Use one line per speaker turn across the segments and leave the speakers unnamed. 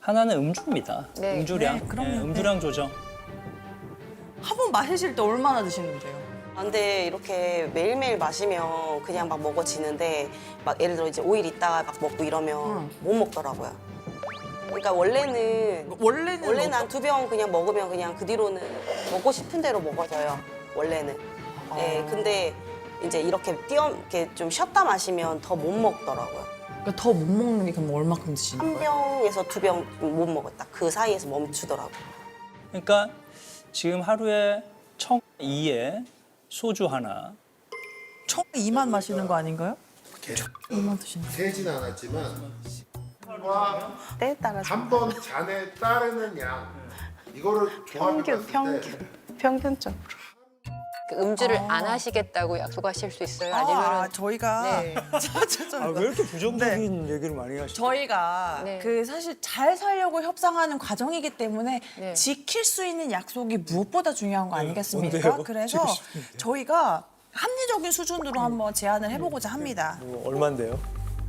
하나는 음주입니다.
네.
음주량.
네, 그럼요.
음주량 조정.
한 번 마시실 때 얼마나 드시는데요?
아, 근데 이렇게 매일매일 마시면 그냥 막 먹어지는데 막 예를 들어 이제 5일 있다가 막 먹고 이러면 못 먹더라고요. 그러니까 원래는 한 2병 그냥 먹으면 그냥 그 뒤로는 먹고 싶은 대로 먹어져요. 원래는. 네, 근데 이제 이렇게 좀 쉬었다 마시면 더 못 먹더라고요.
그러니까 더 못 먹는 게 그럼 얼마큼 드시는
한
거예요?
병에서 2병 못 먹었다. 그 사이에서 멈추더라고요.
그러니까 지금 하루에 청 2에 소주 하나.
총 2만 마시는 거 아닌가요? 2만 드시는 거.
세진 않았지만
때에 따라서
한 번 잔에 따르는 양 이거를 조합해봤을 때
평균적으로.
그 음주를 안 하시겠다고 약속하실 수 있어요? 아니면
저희가
네.
왜 이렇게 부정적인 얘기를 많이 하시죠?
저희가
네.
그 사실 잘 살려고 협상하는 과정이기 때문에
네.
지킬 수 있는 약속이 무엇보다 중요한 거 아니겠습니까?
뭔데요?
그래서
지키고 싶은데.
저희가 합리적인 수준으로 한번 제안을 해보고자 합니다.
뭐 얼만데요?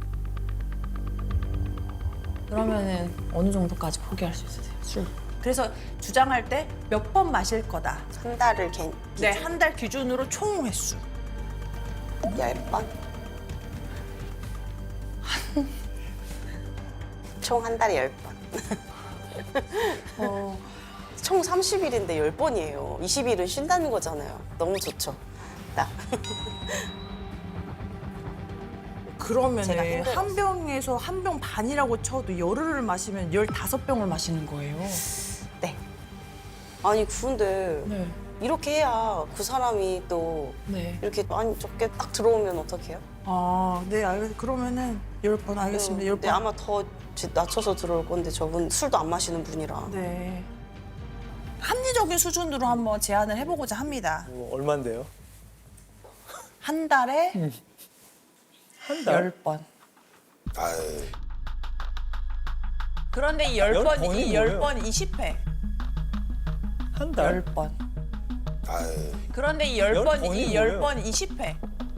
그러면은 어느 정도까지 포기할 수 있으세요? 술. 그래서 주장할 때 몇 번 마실 거다.
한 달을
네, 한 달 기준으로 총 횟수.
10번? 총 한 달에 10번. 총 30일인데 10번이에요. 20일은 쉰다는 거잖아요. 너무 좋죠. 딱. 제가
그러면은
힘들었어요.
한 병에서 한 병 반이라고 쳐도 열흘을 마시면 15병을 마시는 거예요.
네. 아니 근데
네.
이렇게 해야 그 사람이 또
네.
이렇게 많이 적게 딱 들어오면 어떡해요?
아, 네, 그러면은 10번 알겠습니다. 10번.
근데 아마 더 낮춰서 들어올 건데 저분 술도 안 마시는 분이라.
네. 합리적인 수준으로 한번 제안을 해보고자 합니다.
뭐 얼만데요?
한 달에
한 달?
10번.
아유,
그런데 이
열
10번,
번이
이
뭐예요?
10번이 10회.
한 달?
10번.
아유.
그런데 이
열
10번,
번이
이
뭐예요?
10번이 10회.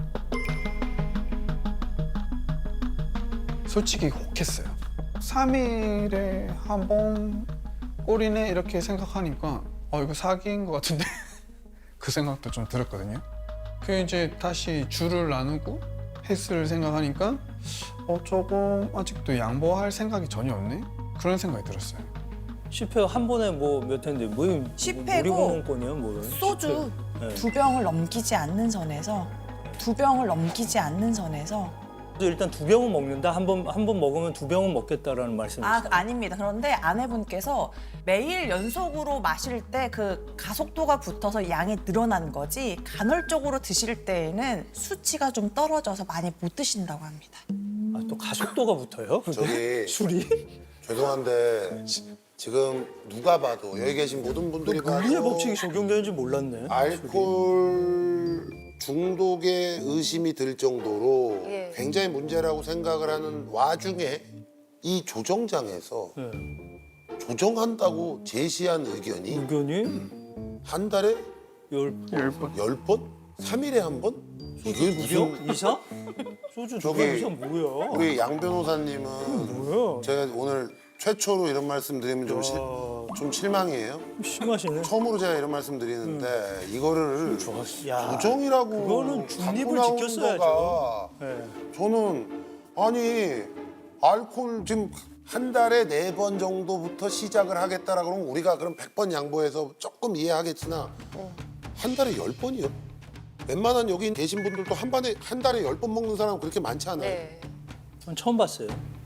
솔직히 혹했어요. 3일에 한 번 꼴이네 이렇게 생각하니까 이거 사기인 것 같은데 그 생각도 좀 들었거든요. 그 이제 다시 줄을 나누고 횟수를 생각하니까 조금 아직도 양보할 생각이 전혀 없네? 그런 생각이 들었어요.
10회 한 번에 뭐 몇 회인데 뭐
10회고
놀이공원권이요? 뭐
소주
10회. 네.
2병을 넘기지 않는 선에서 2병을 넘기지 않는 선에서
일단 2병은 먹는다. 한 번 먹으면 2병은 먹겠다라는 말씀이시죠?
아닙니다. 그런데 아내분께서 매일 연속으로 마실 때 그 가속도가 붙어서 양이 늘어난 거지 간헐적으로 드실 때에는 수치가 좀 떨어져서 많이 못 드신다고 합니다.
아, 또 가속도가 붙어요?
저기
술이?
죄송한데 지금 누가 봐도 여기 계신 모든 분들이
물리의
봐도
법칙이 적용되는지 몰랐네.
알코올 중독의 의심이 들 정도로
예.
굉장히 문제라고 생각을 하는 와중에 이 조정장에서
네.
조정한다고 제시한 의견이
의견이
한 달에
10번.
10번? 3일에 한 번? 이게 무슨
병 이상? 소주 두
저기-
병 이상 뭐야?
우리 양 변호사님은
뭐야?
제가 오늘 최초로 이런 말씀 드리면 좀 실망이에요.
심하시네.
처음으로 제가 이런 말씀 드리는데 이거를
야,
조정이라고
그거는 중립을
갖고 나온
지켰어야죠.
거가
네.
저는 아니 알코올 지금 한 달에 4번 정도부터 시작을 하겠다라 그러면 우리가 그럼 100번 양보해서 조금 이해하겠으나 한 달에 10번이요? 웬만한 여기 계신 분들도 한 달에 10번 먹는 사람은 그렇게 많지 않아요.
네.
전 처음 봤어요.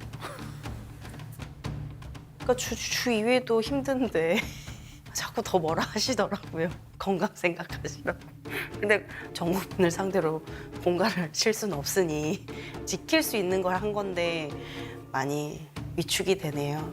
그러니까 주 2회도 힘든데 자꾸 더 뭐라 하시더라고요. 건강 생각하시라고. 근데 정부분을 상대로 공갈을 칠 수는 없으니 지킬 수 있는 걸 한 건데 많이 위축이 되네요.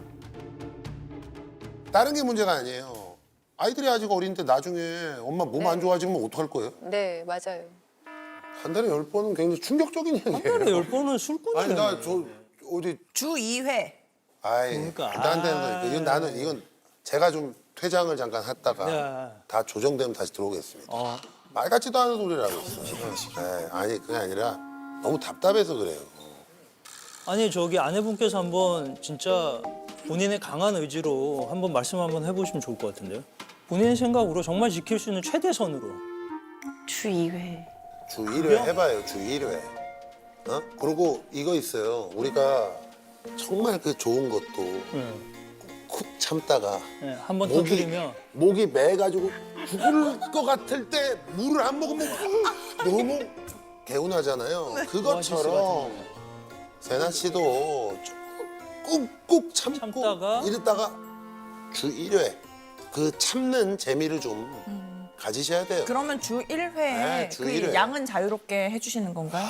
다른 게 문제가 아니에요. 아이들이 아직 어린데 나중에 엄마 몸 안 좋아지면 어떡할 거예요?
네, 맞아요.
한 달에 10번은 굉장히 충격적인 얘기예요.
한 달에 10번은 술꾼이네.
아니 나 저 어디
주 2회.
아이
그러니까.
말도 안 되는 거니까 이건 나는 이건 제가 좀 퇴장을 잠깐 했다가
야.
다 조정되면 다시 들어오겠습니다.
어.
말 같지도 않은 소리라고 있어요. 네, 아니 그게 아니라 너무 답답해서 그래요.
아니 저기 아내분께서 한번 진짜 본인의 강한 의지로 한번 말씀 한번 해보시면 좋을 것 같은데요. 본인의 생각으로 정말 지킬 수 있는 최대선으로.
주 2회.
주 1회 해봐요. 주 1회. 어? 그리고 이거 있어요. 우리가 정말 그 좋은 것도
네.
쿡 참다가
네, 한번 터뜨리면
목이 매가지고 죽을 것 같을 때 물을 안 먹으면 너무 개운하잖아요.
것
그것처럼
같은데.
세나 씨도 꾹꾹 참고
참다가
이랬다가 주 1회 그 참는 재미를 좀 가지셔야 돼요.
그러면 주 1회에
네, 주
그
1회.
양은 자유롭게 해주시는 건가요?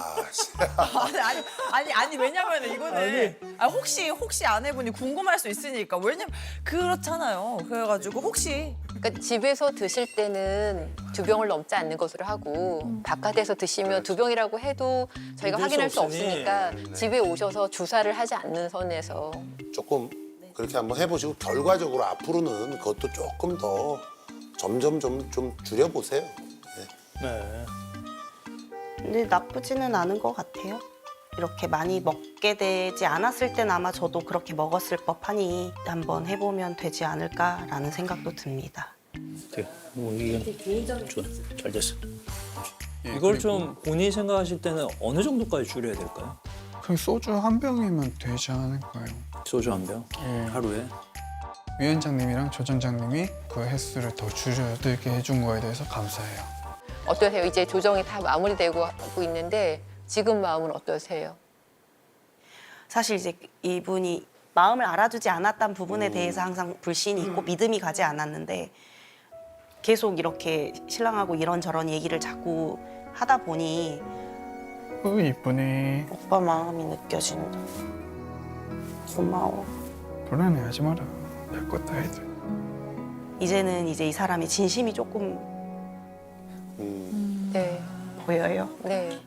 아니 왜냐면 이거는 혹시 아내분이 궁금할 수 있으니까 왜냐면 그렇잖아요. 그래가지고 혹시
그러니까 집에서 드실 때는 2병을 넘지 않는 것으로 하고 바깥에서 드시면 2병이라고 해도 저희가
믿을
확인할
수
수
없으니.
없으니까 집에 오셔서 주사를 하지 않는 선에서
조금 그렇게 한번 해보시고 결과적으로 앞으로는 그것도 조금 더 점점 좀 줄여보세요. 네.
네.
근데 나쁘지는 않은 것 같아요. 이렇게 많이 먹게 되지 않았을 땐 아마 저도 그렇게 먹었을 법하니 한번 해보면 되지 않을까라는 생각도 듭니다.
네. 뭐 이게 좋아. 잘 됐어.
예,
이걸
그리고
좀 본인이 생각하실 때는 어느 정도까지 줄여야 될까요?
그냥 소주 한 병이면 되지 않을까요?
소주 한 병
예.
하루에.
위원장님이랑 조정장님이 그 횟수를 더 줄여들게 해준 거에 대해서 감사해요.
어떠세요? 이제 조정이 다 마무리되고 하고 있는데 지금 마음은 어떠세요?
사실 이제 이분이 마음을 알아주지 않았던 부분에 대해서 항상 불신이 있고 믿음이 가지 않았는데 계속 이렇게 신랑하고 이런저런 얘기를 자꾸 하다 보니
이쁘네.
오빠 마음이 느껴진다. 고마워.
불안해하지 마라. 별것 다 해도.
이제는 이제 이 사람이 진심이 조금
네,
보여요.
네.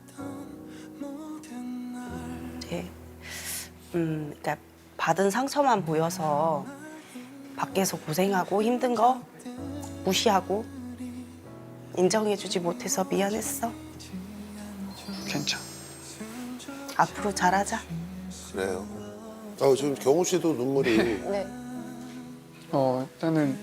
네. 그러니까 받은 상처만 보여서 밖에서 고생하고 힘든 거 무시하고 인정해주지 못해서 미안했어.
괜찮아.
앞으로 잘하자.
그래요. 지금 경호 씨도 눈물이
네.
일단은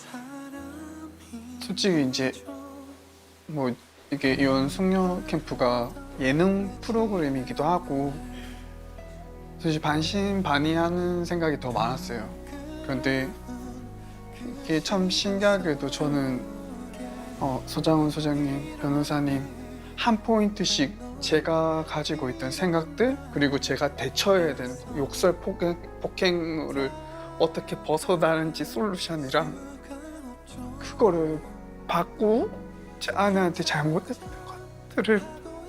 솔직히 이제 뭐 이게 이혼 숙녀 캠프가 예능 프로그램이기도 하고 사실 반신반의하는 생각이 더 많았어요. 그런데 이게 참 신기하게도 저는 서장훈 소장님, 변호사님 한 포인트씩 제가 가지고 있던 생각들 그리고 제가 대처해야 되는 욕설 폭행을 어떻게 벗어나는지 솔루션이랑 그거를 받고 제 아내한테 잘못했던 것들을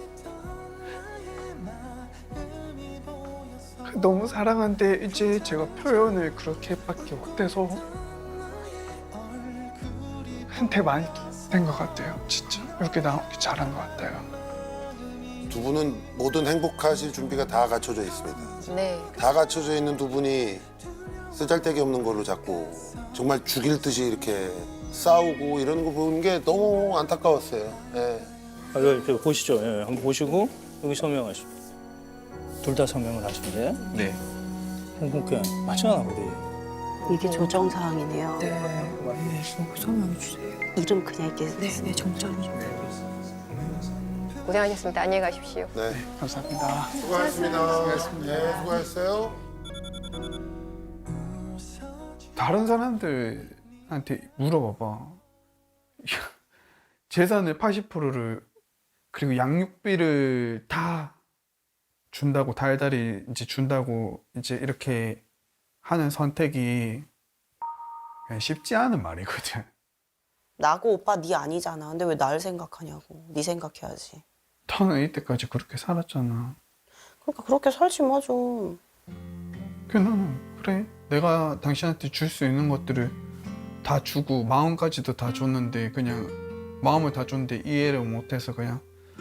너무 사랑한데 이제 제가 표현을 그렇게밖에 못해서 한테 많이 된 것 같아요. 진짜 이렇게 나오기 잘한 것 같아요.
두 분은 모든 행복하실 준비가 다 갖춰져 있습니다.
네.
다 갖춰져 있는 두 분이 쓰잘데기 없는 걸로 자꾸 정말 죽일 듯이 이렇게 싸우고 이러는 거 보는 게 너무 안타까웠어요. 예.
여기 보시죠. 예, 한번 보시고 여기 서명하시죠. 둘 다 서명을 하신대.
네.
행복해. 맞잖아 우리.
이게 조정 사항이네요.
네, 설명해 주세요.
이름 그냥 이렇게
네, 정장.
고생하셨습니다. 안녕히 가십시오.
네.
감사합니다.
수고하셨습니다. 네, 수고하셨어요.
다른 사람들한테 물어봐봐. 재산의 80%를 그리고 양육비를 다 준다고 달달이 이제 준다고 이제 이렇게 하는 선택이 그냥 쉽지 않은 말이거든.
나고 오빠 네 아니잖아. 근데 왜 날 생각하냐고. 네 생각해야지.
너는 이때까지 그렇게 살았잖아.
그러니까 그렇게 살지 마 좀.
나는 그래 내가 당신한테 줄 수 있는 것들을 다 주고 마음까지도 다 줬는데 그냥 마음을 다 줬는데 이해를 못해서 그냥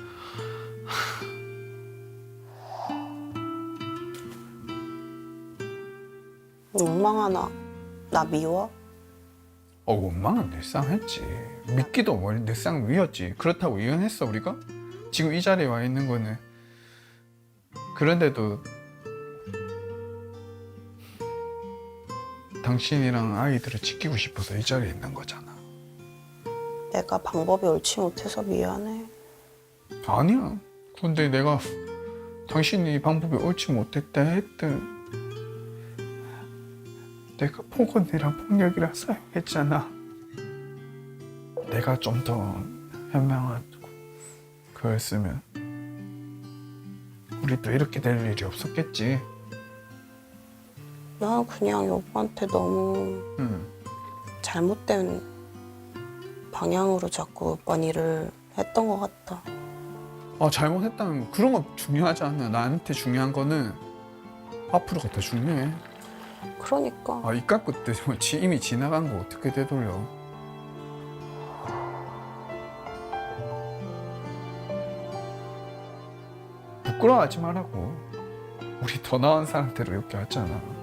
원망하나? 나 미워?
원망은 늘상 했지. 믿기도 늘상 위였지. 그렇다고 이혼했어 우리가? 지금 이 자리에 와 있는 거는 그런데도 당신이랑 아이들을 지키고 싶어서 이 자리에 있는 거잖아.
내가 방법이 옳지 못해서 미안해.
아니야. 근데 내가 당신이 방법이 옳지 못했다 했든 내가 폭언이랑 폭력이랑 사용했잖아. 내가 좀 더 현명한 거였으면 우리도 이렇게 될 일이 없었겠지.
나 그냥 여보한테 너무
응.
잘못된 방향으로 자꾸 몇 번 일을 했던 것 같다.
잘못했다는 거 그런 거 중요하지 않아. 나한테 중요한 거는 앞으로가 더 중요해.
그러니까
이 깎고 때 이미 지나간 거 어떻게 되돌려. 부끄러워하지 말라고. 우리 더 나은 사람들을 이렇게 왔잖아.